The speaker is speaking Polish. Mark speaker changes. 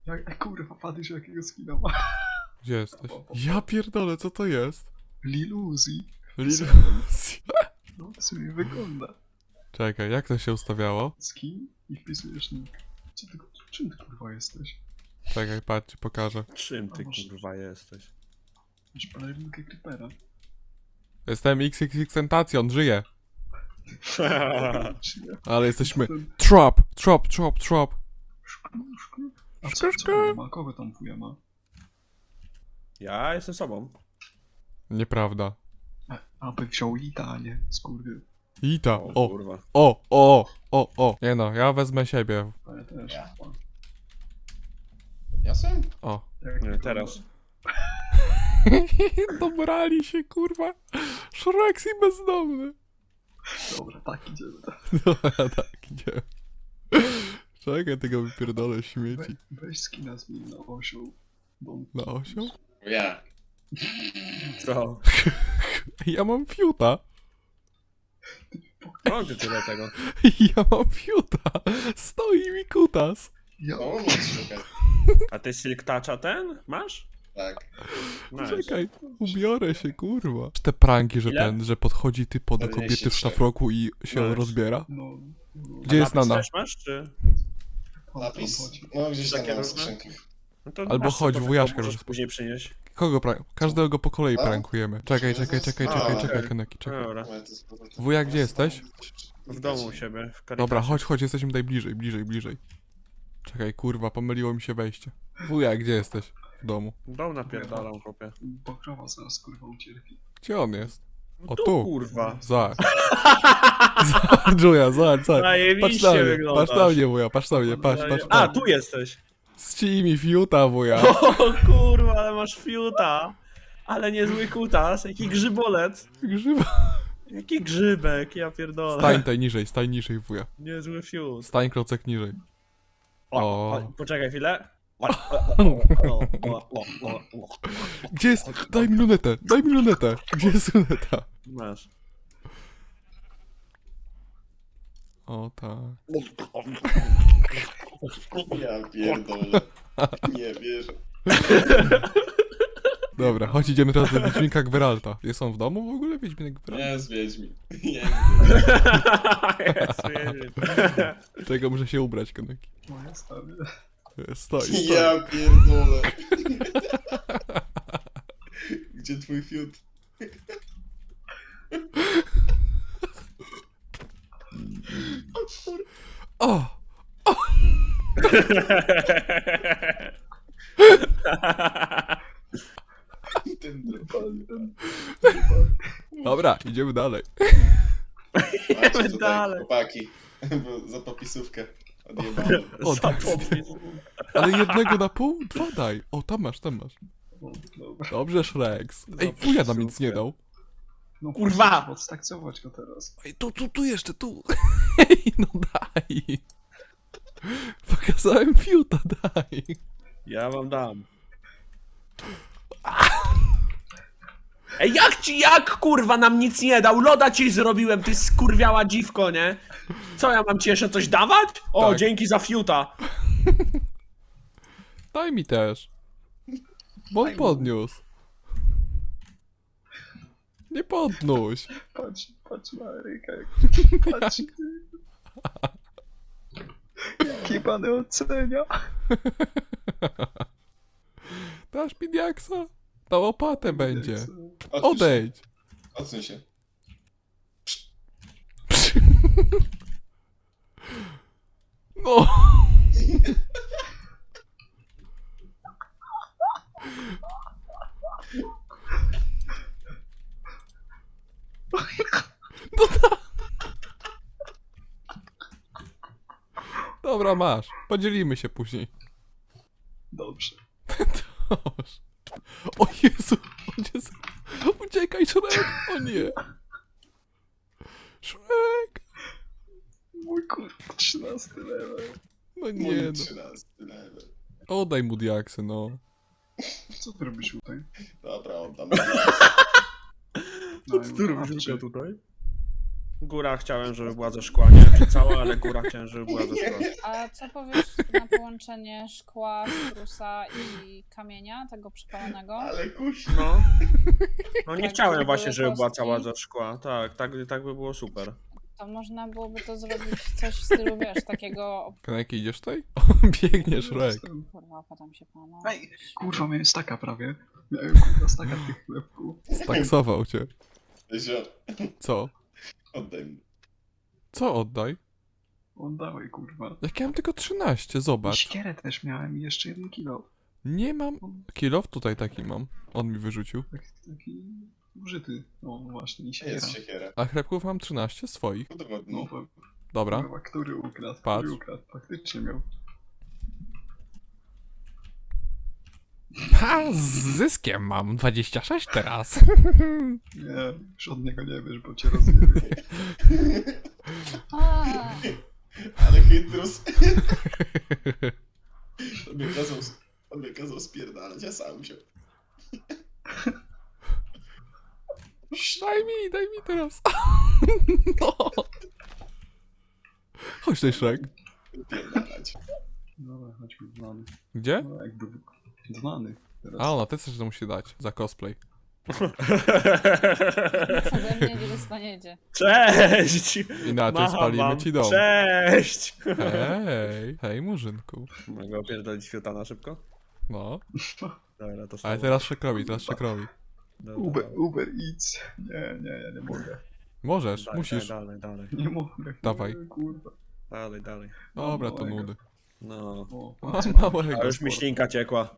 Speaker 1: Kurwa, patrz jakiego skina ma.
Speaker 2: Gdzie jesteś? Ja pierdolę, co to jest?
Speaker 1: Lil Uzi.
Speaker 2: Lil...
Speaker 1: No, w sumie wygląda.
Speaker 2: Czekaj, jak to się ustawiało?
Speaker 1: Skin i wpisujesz nick. Czym ty kurwa jesteś?
Speaker 2: Czekaj, patrz, ci pokażę.
Speaker 3: Czym ty kurwa jesteś?
Speaker 1: Masz balerinkę Creepera.
Speaker 2: Jestem XXXTentacion, żyję.
Speaker 1: Czy nie?
Speaker 2: Ale jesteśmy...
Speaker 1: Ten
Speaker 2: Trop.
Speaker 1: szklu. A co on ma? Kogo tam wuja ma?
Speaker 3: Ja jestem sobą.
Speaker 2: Nieprawda.
Speaker 1: Aby wziął Ita, a nie skurwy.
Speaker 2: Ita,
Speaker 3: O kurwa.
Speaker 2: o. Nie no, ja wezmę siebie.
Speaker 1: A ja też.
Speaker 4: Ja. Jasem?
Speaker 2: O.
Speaker 1: Jak
Speaker 3: Nie,
Speaker 1: wygląda?
Speaker 3: teraz.
Speaker 2: Dobrali się, kurwa. Shrek i bezdomny.
Speaker 1: Dobra, tak idziemy.
Speaker 2: Dobra, tak, idziemy. Czekaj, tego wypierdolę śmieci.
Speaker 1: Weź skina zmień na osioł.
Speaker 2: Na osioł?
Speaker 4: Ja.
Speaker 3: Co?
Speaker 2: Ja mam fiuta.
Speaker 3: Mam ty tyle tego.
Speaker 2: Ja mam fiuta. Stoi mi kutas.
Speaker 1: Ja
Speaker 4: No, moc szukać.
Speaker 3: A ty Silk Toucha ten masz?
Speaker 4: Tak.
Speaker 3: Nice.
Speaker 2: Czekaj, ubiorę się, kurwa. Te pranki, że
Speaker 3: Ile?
Speaker 2: że podchodzi typo do
Speaker 4: 43.
Speaker 2: kobiety w szlafroku i się
Speaker 3: Nice.
Speaker 2: rozbiera.
Speaker 1: no.
Speaker 2: Gdzie jest
Speaker 3: Napis
Speaker 2: Nana?
Speaker 3: też masz, czy?
Speaker 4: Napis? No, gdzieś tam
Speaker 3: Takie
Speaker 4: na
Speaker 3: różne?
Speaker 4: skrzynkach.
Speaker 3: No to
Speaker 2: Albo
Speaker 3: masz
Speaker 2: chodź,
Speaker 3: sobie,
Speaker 2: wujaszka,
Speaker 3: możesz
Speaker 2: żeby-
Speaker 3: później przynieść.
Speaker 2: Kogo Każdego po kolei
Speaker 4: A?
Speaker 2: prankujemy. Czekaj,
Speaker 3: okej.
Speaker 2: Keneki, czekaj.
Speaker 3: Dobra.
Speaker 2: Wuja, gdzie jesteś?
Speaker 3: W domu u siebie, w Caritasie.
Speaker 2: Dobra, chodź, jesteśmy tutaj bliżej. Czekaj, kurwa, pomyliło mi się wejście. Wuja, gdzie jesteś? W domu.
Speaker 3: Dom napierdalam, chłopie.
Speaker 1: Bo krowa zaraz kurwa ucierpi.
Speaker 2: Gdzie on jest?
Speaker 3: No
Speaker 2: O, tu.
Speaker 3: kurwa.
Speaker 2: Zobacz. Julia, zobacz.
Speaker 3: Zajebiście
Speaker 2: Patrz na mnie,
Speaker 3: wyglądasz.
Speaker 2: patrz na mnie, wuja, patrz na mnie, patrz.
Speaker 3: A, tu jesteś.
Speaker 2: Ścij mi fiuta, wuja.
Speaker 3: O kurwa, ale masz fiuta. Ale niezły kutas, jaki grzybolec.
Speaker 2: Grzyba.
Speaker 3: Jaki grzybek, ja pierdolę.
Speaker 2: Stań niżej, wuja.
Speaker 3: Niezły fiut.
Speaker 2: Stań klocek niżej. O.
Speaker 3: Poczekaj chwilę.
Speaker 2: Gdzie jest? Daj mi lunetę. Gdzie jest luneta?
Speaker 3: Masz.
Speaker 2: O tak.
Speaker 4: Ja pierdolę. Nie wierzę.
Speaker 2: Dobra, chodź, idziemy teraz do Wiedźminka Gweralta. Jest on w domu w ogóle, Wiedźminek Gweralta?
Speaker 4: Nie, Wiedźmin. Nie.
Speaker 2: Czego muszę się ubrać, Keneki?
Speaker 1: Moja stary.
Speaker 2: Stoi.
Speaker 4: Ja pierdolę. Gdzie twój fiut?
Speaker 2: O!
Speaker 4: Ten
Speaker 2: Dobra, idziemy dalej.
Speaker 4: Macie tutaj,
Speaker 3: dalej.
Speaker 4: chłopaki. Bo za popisówkę odjebałem.
Speaker 2: O, tak. Ale jednego na pół? Dwa daj. O, tam masz.
Speaker 1: No, dobra.
Speaker 2: Dobrze, Shreks. Ej, wuja nam nic nie dał.
Speaker 1: No,
Speaker 3: Kurwa!
Speaker 1: Odstakcować go teraz.
Speaker 2: Ej, tu jeszcze, tu. Ej, no daj. Pokazałem fiuta, daj.
Speaker 3: Ja wam dam. Ej, jak kurwa nam nic nie dał? Loda ci zrobiłem, ty skurwiała dziwko, nie? Co, ja mam ci jeszcze coś dawać? O,
Speaker 2: Tak.
Speaker 3: dzięki za fiuta.
Speaker 2: Daj mi też. Bo on podniósł. Nie podnóś.
Speaker 1: Patrz na Eryka, jak patrz. Jaki pan ocenia?
Speaker 2: Dasz mi diaksa? Na łopatę będzie.
Speaker 4: Odsuń się.
Speaker 2: Odejdź.
Speaker 4: Odsuń się.
Speaker 2: No. No Dobra, masz. Podzielimy się później.
Speaker 1: Dobrze.
Speaker 2: Dobrze. O Jezu, uciekaj, Shrek! O nie! Shrek!
Speaker 1: Mój kurwa, 13 level.
Speaker 2: No nie
Speaker 4: Mój
Speaker 2: no.
Speaker 4: 13 level.
Speaker 2: Oddaj mu diaksy, no.
Speaker 1: Co ty robisz tutaj?
Speaker 4: Dobra, oddam.
Speaker 1: Co
Speaker 3: tutaj? Góra chciałem, żeby była ze szkła. Nie wiem czy cała, ale góra chciałem, żeby była ze szkła.
Speaker 5: A co powiesz na połączenie szkła, sprusa i kamienia, tego przepalonego?
Speaker 4: Ale kuś.
Speaker 3: No. No nie
Speaker 5: Tak,
Speaker 3: chciałem
Speaker 5: żeby
Speaker 3: właśnie,
Speaker 5: były
Speaker 3: żeby była
Speaker 5: kostki.
Speaker 3: cała ze szkła. Tak by było super.
Speaker 5: To można byłoby to zrobić coś w stylu, wiesz, takiego...
Speaker 2: Kaneki, idziesz tutaj? O, biegniesz, Rek.
Speaker 5: Kurwa, potem się panu...
Speaker 1: Ej, kurwa, miałem staka prawie. Miałem kurwa staka tych chlebków.
Speaker 2: Staksował cię.
Speaker 4: Zio,
Speaker 2: Co?
Speaker 4: oddaj mi.
Speaker 2: Co oddaj?
Speaker 1: Oddawaj, kurwa.
Speaker 2: Jak ja mam tylko 13,
Speaker 1: I
Speaker 2: zobacz.
Speaker 1: siekierę też miałem i jeszcze 1 kilo.
Speaker 2: Nie mam... Kilof tutaj taki mam. On mi wyrzucił.
Speaker 1: Taki użyty. No właśnie, i siekiera.
Speaker 4: Jest siekiera.
Speaker 2: A chlebków mam 13 swoich.
Speaker 1: No,
Speaker 4: Udowodnij.
Speaker 2: Dobra.
Speaker 1: kurwa, który ukradł?
Speaker 2: Patrz.
Speaker 1: Który ukradł? Faktycznie miał.
Speaker 2: Ha! Z zyskiem mam 26 teraz.
Speaker 1: Nie, już od niego nie wiesz, bo cię rozumiem.
Speaker 5: A,
Speaker 4: Ale chytrus. On mnie kazał spierdalać, ja sam się.
Speaker 2: Daj mi teraz. No. Chodź tutaj, Shrek.
Speaker 4: Spierdalać.
Speaker 1: Dobra, chodźmy dzwony.
Speaker 2: Gdzie?
Speaker 1: No jakby dzwony. Teraz.
Speaker 2: A ona też coś to musi dać za cosplay.
Speaker 5: nic ode mnie nie dostaniecie.
Speaker 3: Cześć!
Speaker 2: Inaczej
Speaker 3: Macham
Speaker 2: spalimy
Speaker 3: wam.
Speaker 2: ci dom.
Speaker 3: Cześć!
Speaker 2: Hej, murzynku.
Speaker 3: Mogę opierdolić fiuta na szybko?
Speaker 2: No.
Speaker 3: Dobra, to
Speaker 2: Ale teraz Shrekowi.
Speaker 1: Uber Eats. Nie, ja nie mogę.
Speaker 2: Możesz, musisz.
Speaker 3: Dalej.
Speaker 1: Nie mogę.
Speaker 2: Dawaj.
Speaker 1: Kurwa.
Speaker 3: Dalej.
Speaker 2: Dobra, to
Speaker 1: małego.
Speaker 2: nudy.
Speaker 3: No.
Speaker 1: O,
Speaker 2: Mam
Speaker 1: patrz,
Speaker 2: małego.
Speaker 3: A już mi ślinka ciekła.